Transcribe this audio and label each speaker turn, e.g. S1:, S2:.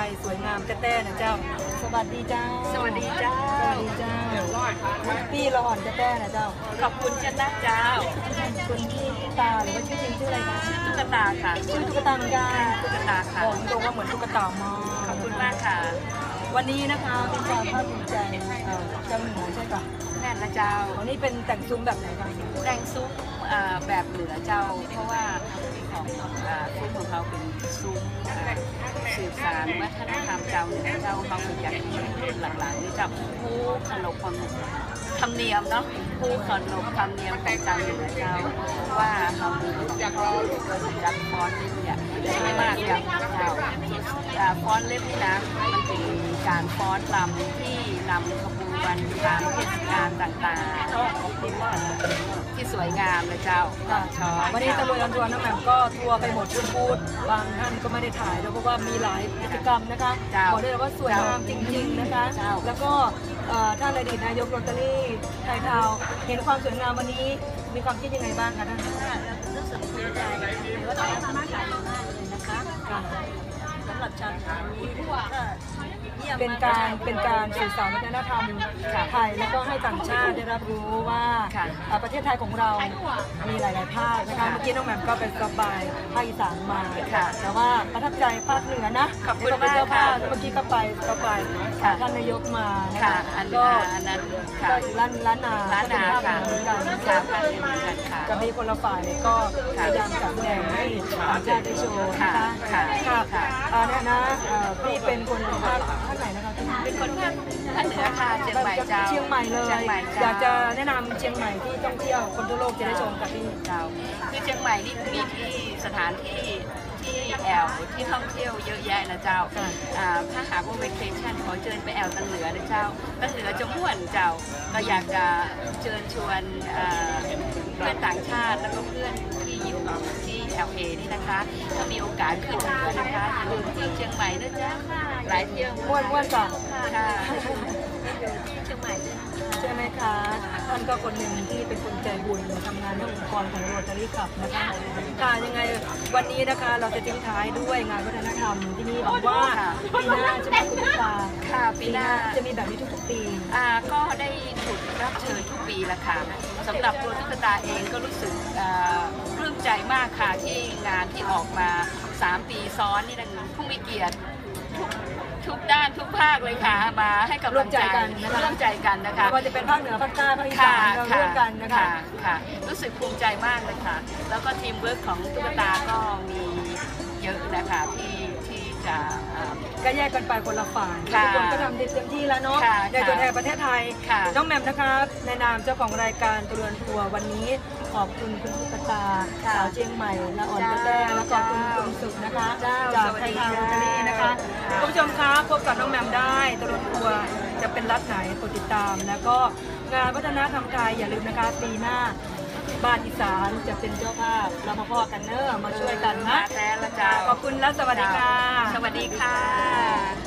S1: ยสวยงามแต้ๆนะเจ้าสวัสดีเจ้า
S2: สวัสดีเจ้า
S1: สวัสดีเจ้าพี่ละอ่อนแต้ๆนะเจ้า
S2: ขอบคุณจ้านะเจ้า
S1: คุณพี่ตาหรือว่าชื่อจริงชื่ออะไรคะ
S2: ชื่อตุ๊กตาค่ะ
S1: ชื่อตุ๊กตาเหมือนกัน
S2: ตุ๊กตาค่ะ
S1: บอกตรงว่าเหมือนตุ๊กตามาก
S2: ขอบคุณมากค่ะ
S1: วันนี้นะคะเป็นความภาคภูมิใจเจ้าหนูใช่ปะ
S2: แน่นนะเจ้า
S1: วันนี้เป็นแต่งซุ้มแบบไหนบ้าง
S2: แต่งซุ้มแบบเหนือเจ้าเพราะว่าของซุ้มของเขาเป็นซุ้มสืบสานวัฒนธรรมเจ้าเหนือเจ้าเขาเป็นอย่างที่รุ่นหลังๆนี่เจ้าผู้ขนบธรรมเนียมเนาะผู้ขนบธรรมเนียมของเจ้าเหนือเจ้าว่าเขามีจักรฟ้อนเล็บเนี่ยไม่มากอย่างเจ้าฟ้อนเล็บนี่นะมันเป็นการฟ้อนรำที่นำขบวนตามเทศกาลต่างๆที่สวยงามเลยเจ้า
S1: วันนี้ตะลุยอันทัวร์น้องแหม่มก็ทัวร์ไปหมดทุกบูธบางท่านก็ไม่ได้ถ่ายแล้วเพราะว่ามีหลายกิจกรรมนะคะบอกได้เลยว่าสวยงามจริงๆนะคะแล้วก็ท่านอดีตนายกโรตารี่ไทยทาวเห็นความสวยงามวันนี้มีความคิดยังไงบ้างคะท่าน
S2: รู้สึกภูมิใจว่าทำมากมากเลยนะคะสำหรับชาวไทย
S1: เป็นการสื่อสารวัฒนธรรมไทยแล้วก็ให้ต่างชาติได้รับรู้ว่าประเทศไทยของเรามีหลายๆภาคนะคะเมื่อกี้น้องแหม่มก็เป็นสบายภาคอีสานมาแต่ว่าประทับใจภาคเหนือนะ
S2: ขอบคุณมากค่ะ
S1: เมื่อกี้ก็ไปท่านนายกมา
S2: นะคะก็อันนั้น
S1: ล้านนาเหมือนกันจะมีคนละฝ่ายก็พยายามจัดแสดงให้ต่างชาติได้โชว์นะคะเนี่ยนะพี่เป็นคนภาคไหนนะคะ
S2: เป็นคนภาคเหนือค่ะเชียงใหม่เจ้า
S1: เชียงใหม่เลยอยากจะแนะนำเชียงใหม่ที่ท่องเที่ยวคนทั่วโลกจะได้ชมกับพี่
S2: เจ้าคือเชียงใหม่นี่มีที่สถานที่แอลที่ท่องเที่ยวเยอะแยะนะเจ้าถ้าหากว่า vacation ขอเชิญไปแอลตันเหนือนะเจ้าตันเหนือจะม่วนเจ้าก็อยากจะเชิญชวนเพื่อนต่างชาติแล้วก็เพื่อนที่อยู่ที่ LA นี่นะคะถ้ามีโอกาสขึ้นมานะคะอย่าลืมเที่ยวเชียงใหม่นะจ๊ะหลายเที่ยว
S1: ม่วนจ้ะ
S2: ค่ะเชียงใหม่
S1: ใช่ไหมคะท่านก็คนหนึ่งที่เป็นคนใจบุญทำงานในองค์กรของโรตารี่คลับนะคะค่ะยังไงวันนี้นะคะเราจะทิ้งท้ายด้วยงานวัฒนธรรมที่นี่บอกว่าปีหน้าจะมีคุณตา
S2: ค่ะปีหน้า
S1: จะมีแบบนี้ทุกๆปี
S2: ก็ได้ถูกรับเชิญทุกปีละค่ะสำหรับตัวตุ๊กตาเองก็รู้สึกปลื้มใจมากค่ะที่งานที่ออกมา3 ปีซ้อนนี่นะผู้มีเกียรติทุกด้านทุกภาคเลยค่ะมาให้กำลังใจกันนะคะ
S1: ว่าจะเป็นภาคเหนือภาคใต้ภาคอีสานเราร่วมกันนะคะ
S2: ค่ะรู้สึกภูมิใจมากเลยค่ะแล้วก็ทีมเวิร์กของตุ๊กตาก็มีเยอะนะคะที่จะ
S1: ก็แยกกันไปคนละฝ่ายทุกคนก็ทำเต็มที่แล้วเนาะในตัวแทนประเทศไทยน้องแหม่มนะคะในนามเจ้าของรายการตะลุยทัวร์วันนี้ขอบคุณคุณตุ๊กตาสาวเชียงใหม่ละอ่อนแต้และขอบคุณคุณสุขนะคะจากไทยทาวน์โรตารี่นะคะคุณผู้ชมคะพบกับน้องแหม่มได้ตะลุยทัวร์จะเป็นรัฐไหนกดติดตามแล้วก็งานวัฒนธรรมไทยอย่าลืมนะคะปีหน้าบ้านอีสานจะเป็นเจ้าภาพเรามาพ่อกันเนอะมาช่วยกันนะ
S2: แท้ละจ้า
S1: ขอบคุณและสวัสดีค่ะ
S2: สวัสดีค่ะ